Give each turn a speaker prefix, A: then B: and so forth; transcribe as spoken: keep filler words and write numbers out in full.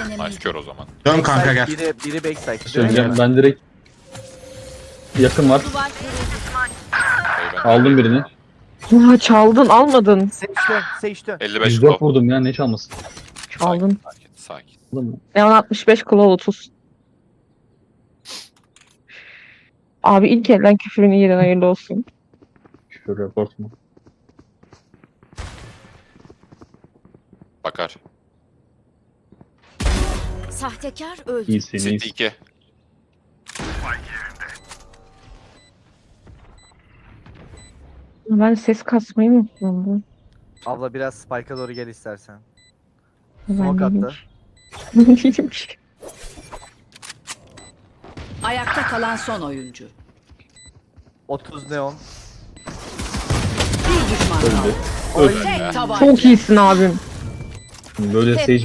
A: Nice kör o zaman.
B: Dön kanka gel.
C: Biri, biri backside.
D: Söyleyeceğim ben direkt yakın var.
E: Duvar kırıldı.
A: Hayır, ben
D: Aldım birini.
F: Ya çaldın almadın.
C: Seçti, seçti.
A: elli beş
D: yüz dört
A: klo.
D: vurdum ya ne çalmasın.
F: Çaldın.
A: Sakin sakin.
D: Aldın mı?
F: Leon altmış beş kulağı otuz. Abi ilk elden küfürün iyiden hayırlı olsun.
D: Küfür report mu?
A: Bakar.
E: Sahtekar öldü.
D: İyisin
A: City
D: iyisin.
A: iki.
F: Ben ses kasmayı mı unuttum?
C: Abla biraz spike'a doğru gel istersen.
F: Ben
C: Smoke
F: değilim
C: attı.
F: ki. Ben değilim ki.
E: Ayakta kalan son oyuncu.
C: otuz neon.
E: Bir düşman kaldı.
D: Öldü.
E: Tek tabanca.
F: Çok iyisin abim.
D: Böyle
E: Hep
D: Sage